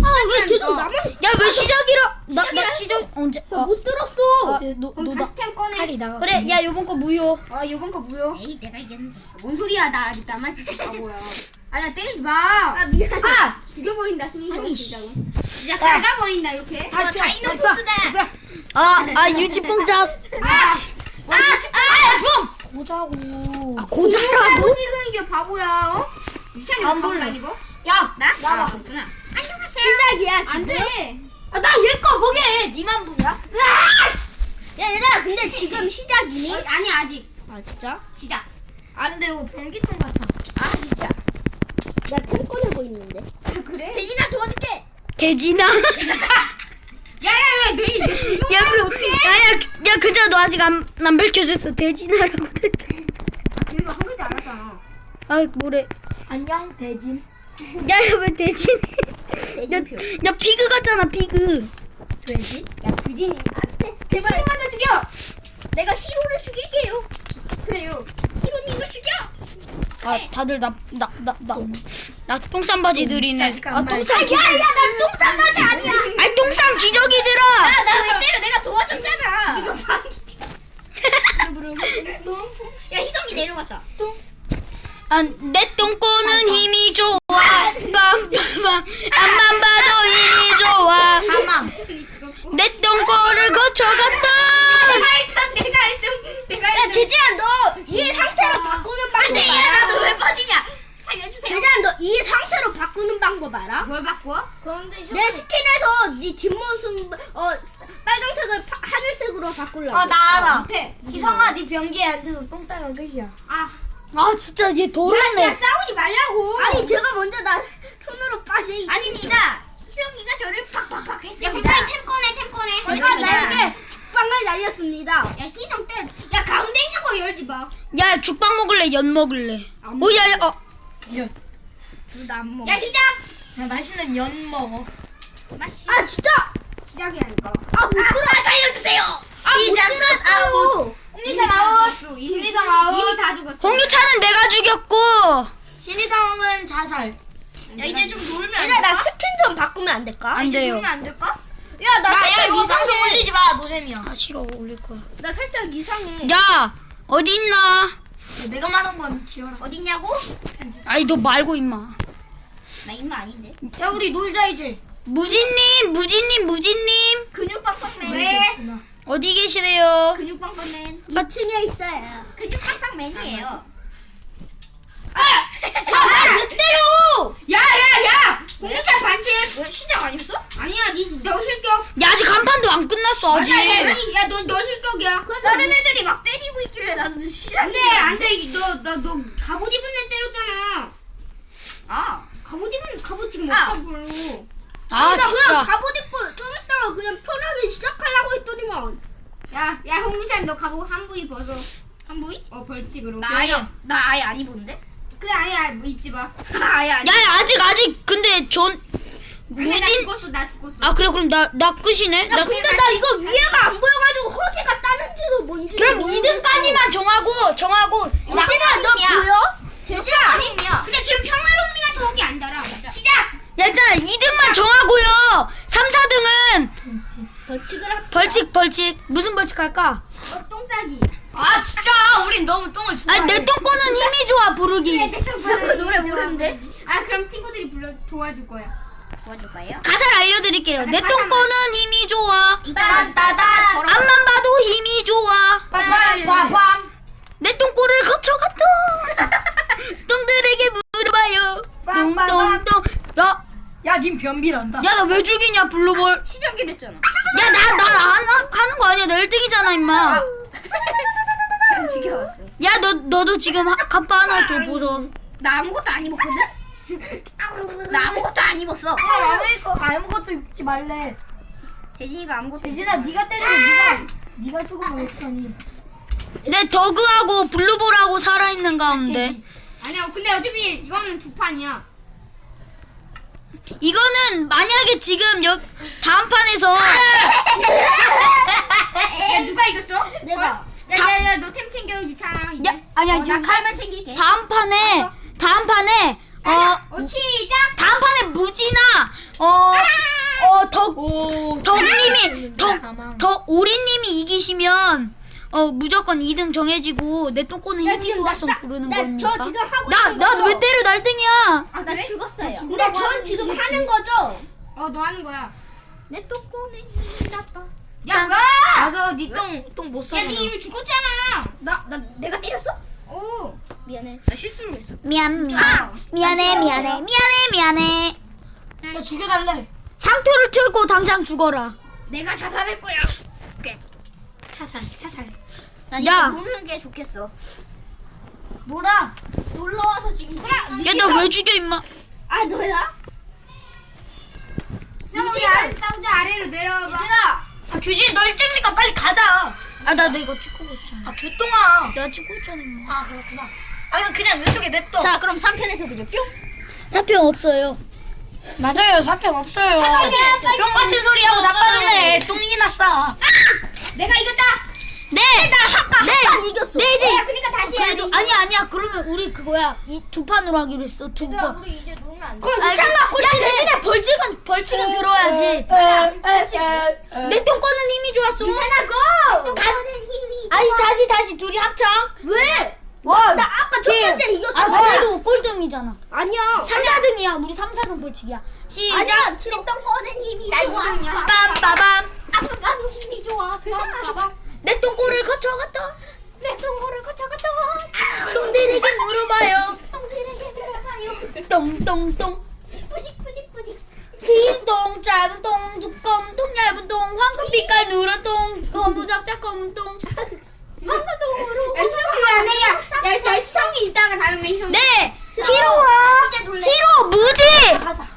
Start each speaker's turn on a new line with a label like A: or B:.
A: 왜 계속 나만
B: 야 왜 시작이라? 나 시작 언제?
A: 못 들었어.
B: 너
A: 그럼 다시 템 꺼내.
B: 그래 야 요번 거 무효.
A: 요번 거 무효. 에이, 내가 이겼는데. 뭔 소리야, 나 아직 남아있을 바보야. 나 때리지 마. 아, 미안해. 죽여버린다, 신인성 진짜로. 진짜 갈가버린다, 이렇게. 다이노포스다.
B: 유지뽕잡.
C: 보자고.
B: 고자라고?
A: 못 이기는 게 바보야, 어? 유찬이
B: 안
A: 바보
B: 볼래.
A: 아니고?
C: 야,
A: 나?
C: 나와.
A: 그렇구나. 안녕하세요.
C: 시작이야.
A: 안 돼.
C: 나 얘 거 보게 해. 니만 보냐? 야, 얘들아, 근데 지금 시작이니?
A: 아니, 아직.
C: 아, 진짜?
A: 시작.
C: 아, 근데 이거 변기통 같아. 아, 진짜. 나 템 꺼내고 있는데.
A: 그래?
C: 대진아, 도와줄게.
B: 대진아.
A: 야야야, 내일
B: 야 그럼 야 그저 너 아직 안 밝혀졌어. 대진아라고 했잖아.
A: 그리고 한 글자 알았잖아.
B: 아 뭐래?
C: 안녕, 대진.
B: 야왜 대진이? 야 피그 같잖아 피그.
C: 돼지?
A: 야, 규진이. 안 돼. 제발 먼저 죽여.
C: 내가 히로를 죽일게요.
A: 그래요.
C: 히로님을 죽여.
B: 다들 나 똥싼 바지들이네. 똥싼
C: 난 똥싼 바지 아니야.
B: 똥싼 기저귀들아.
C: 나 왜 때려? 내가 도와줬잖아.
A: 이거 방.
C: 야, 희성이 내려갔다.
B: 내 똥꼬는 힘이 좋아. 빰빰빰. 앞만 봐도 힘이 좋아.
C: 사망.
B: 내 똥꼬를 거쳐갔다.
A: 내가
C: 야, 재진아, 너 이 상태로 바꾸는 방법 알아? 야, 나도 왜 빠지냐?
A: 살려주세요.
C: 재진아, 너 이 상태로 바꾸는 방법 알아?
A: 뭘 바꿔?
C: 내 스킨에서 네 뒷모습 빨강색을 하늘색으로 바꾸려고.
A: 나 알아.
C: 못해.
A: 희성아, 네 변기에 앉아서 똥 싸면 끝이야.
B: 아 진짜 얘
A: 야,
B: 더럽네.
A: 싸우지 말라고.
C: 아니, 제가 먼저 나 손으로 빠시.
A: 아닙니다. 희성이가 저를 팍팍팍 했습니다. 야, 빨리 템 꺼내.
C: 제가 나에게 빵을 날렸습니다.
A: 야, 희성 때. 야, 가운데 있는 거 열지 마.
B: 야 죽빵 먹을래? 연 먹을래? 오야야
C: 둘 다 안 먹어.
A: 야, 시작.
C: 나 맛있는 연 먹어.
A: 맛있.
C: 아, 진짜.
A: 시작이라니까.
C: 못 들어. 살려주세요. 못 들었어요.
A: 홍리성 아웃. 이미성 아웃. 이미 다 죽었어.
B: 홍유차는 내가 죽였고.
C: 신이상은 자살.
A: 야, 이제 좀 놀면 안
C: 얘들아, 나
A: 될까?
C: 스킨 좀 바꾸면 안 될까?
B: 안 돼요.
A: 놀면 안 될까?
C: 야, 나
A: 야,
C: 살짝
A: 이거
C: 이상해.
A: 방송 올리지
C: 마, 노잼이야.
B: 아 싫어 올릴 거야.
C: 나 살짝 이상해.
B: 야 어디 있나?
C: 내가 말한 건 지워라.
A: 어딨냐고?
B: 아니 너 말고 임마.
A: 나 임마 아닌데.
C: 야, 우리 놀자 이제.
B: 무진님.
A: 근육빵빵맨. 왜?
B: 어디 계시래요?
A: 근육빵빵맨.
C: 2층에 있어요.
A: 근육빵빵맨이에요.
C: 못 때려!
A: 야! 홍리찬 반칙. 시작 아니었어? 아니야, 너 실격.
B: 야 아직 간판도 안 끝났어 아직.
A: 야, 너 실격이야. 다른 애들이 막 때리고 있길래 나도 시작이야. 안 돼. 너 갑옷 입은 애 때렸잖아. 갑옷 지금 없다 별로.
B: 아
C: 나
B: 진짜.
C: 그냥 갑옷 입고 좀 이따가 그냥 편하게 시작하려고 했더니만.
A: 야, 홍리찬 너 갑옷 한 부위 벗어. 한 부위? 벌칙으로.
C: 나 아예 안 입었는데?
A: 그래, 아예 뭐 입지 마.
C: 아예 안
B: 야 아직 근데 무진.
A: 나 죽었어.
B: 아 그래 그럼 나 끝이네.
C: 야, 근데 나 이거 위에가 안 보여가지고 허리가 따는지도 뭔지.
B: 그럼 2등까지만 정하고.
C: 재진아, 너 보여?
A: 재진아 아니야. 근데 지금 평화로움이라서 거기 안 달아. 시작.
B: 야 일단 2등만 정하고요. 3, 4등은
C: 벌칙을 합시다.
B: 벌칙. 무슨 벌칙 할까?
A: 똥 싸기.
C: 진짜 우린 너무 똥을 좋아해.
B: 아니 내 똥꼬는 힘이 좋아 부르기.
A: 그
C: 노래 모르는데?
A: 그럼 친구들이 도와줄 거야. 도와줄 거예요?
B: 가사를 알려드릴게요. 내 똥꼬는 힘이 좋아.
C: 따다다다.
B: 앞만 봐도 힘이 좋아.
C: 빠밤.
B: 내 똥꼬를 거쳐갔다. 똥들에게 물어봐요. 똥똥똥.
C: 야, 님 변비란다.
B: 야 나 왜 죽이냐 블루볼.
A: 시작이랬 했잖아.
B: 야 나 하는 거 아니야. 나 1등이잖아 임마.
A: 그냥 죽여왔어.
B: 야 너도 지금 간판 하나 더 보소.
A: 나 아무것도 안 입었거든? 나 아무것도 안 입었어.
C: 아무것도 입지 말래.
A: 재진이가 아무것도
C: 재진아, 네가 때리면 네가 죽으면 어떡하니?
B: 내 더그하고 블루볼하고 살아있는 가운데
A: 아니야. 근데 어차피 이거는 두 판이야.
B: 이거는 만약에 지금 다음 판에서
A: 야, 누가 이겼어?
C: 내가.
A: 야, 너 템 챙겨, 유찬아. 이제.
B: 아니야
A: 나
B: 지금
A: 칼만 챙길게.
B: 다음 판에
A: 시작.
B: 다음 판에 무진아 오리님이 이기시면 무조건 2등 정해지고 내 똥꼬는 힘이 좋아서 부르는 겁니까?
C: 저 지금 하고 있는
B: 나
C: 거죠?
B: 왜 때려 날등이야?
C: 아, 나 죽었어요. 근데 전 지금 하는 거죠?
A: 너 하는 거야.
C: 내 똥꼬는 힘이 나빠.
A: 야, 와!
B: 맞아, 니똥못 써.
A: 야, 니 이미 죽었잖아.
C: 내가 때렸어? 오, 미안해.
A: 나 실수를 했어.
B: 미안해.
A: 나 죽여달래.
B: 상토를 틀고 당장 죽어라.
C: 내가 자살할 거야.
A: 차살.
C: 난
B: 야.
C: 이거 노는 게 좋겠어.
A: 뭐라?
C: 놀러 와서 지금
B: 야, 나 왜 죽여 임마?
C: 아, 너야?
A: 싸우자 아래로 내려와봐.
C: 얘들아.
A: 규진 너 1등이니까 빨리 가자.
B: 아, 나 이거 찍고 있잖아.
A: 교통아.
B: 내가 찍고 있잖아. 임마.
A: 아 그렇구나. 그럼 그냥 왼쪽에 냅둬.
C: 자, 그럼 3편에서 보죠. 뿅.
B: 사표 없어요.
A: 맞아요. 사평 없어요. 뿅 같은 소리하고 나빠질래. 똥이 났어. 내가 이겼다.
B: 네.
C: 난 이겼어.
B: 네, 이제.
A: 그러니까 다시 해야
B: 그래도 아니야. 그러면 우리 그거야. 이 두 판으로 하기로 했어. 두 판.
C: 우리 이제 놀면 안 돼.
B: 그럼 야, 대신에 벌칙은 들어야지. 내 똥꼬는 힘이 좋았어.
C: 똥꼬는 힘이.
B: 아니 다시 둘이 합창. 왜?
C: 와, 나 아까 첫 번째 이겼어.
B: 아, 그래도 꼴등이잖아.
C: 아니야.
B: 3, 4등이야. 우리 3, 4등 벌칙이야. 시작.
C: 아니야. 내 똥꼬는 힘이
A: 나
C: 좋아.
A: 2등이야.
B: 빰빠밤.
C: 나도 힘이 좋아.
B: 내 똥꼬를 거쳐갔다.
C: 내 똥꼬를 거쳐갔다.
B: 똥들에게 물어봐요.
C: 똥들에게 들어가요.
B: 똥똥똥.
C: 뿌직.
B: 긴 똥, 작은 똥, 두꺼운 똥, 얇은 똥, 황금빛깔 누런 똥, 거무잡잡 검은 똥.
C: 황금똥으로.
A: 야, 희성이 왜 안 해? 야, 희성이 이따가 다른 거 희성이.
B: 네. 히로와
C: 이제 놀래.
B: 히로 무지.
C: 가자.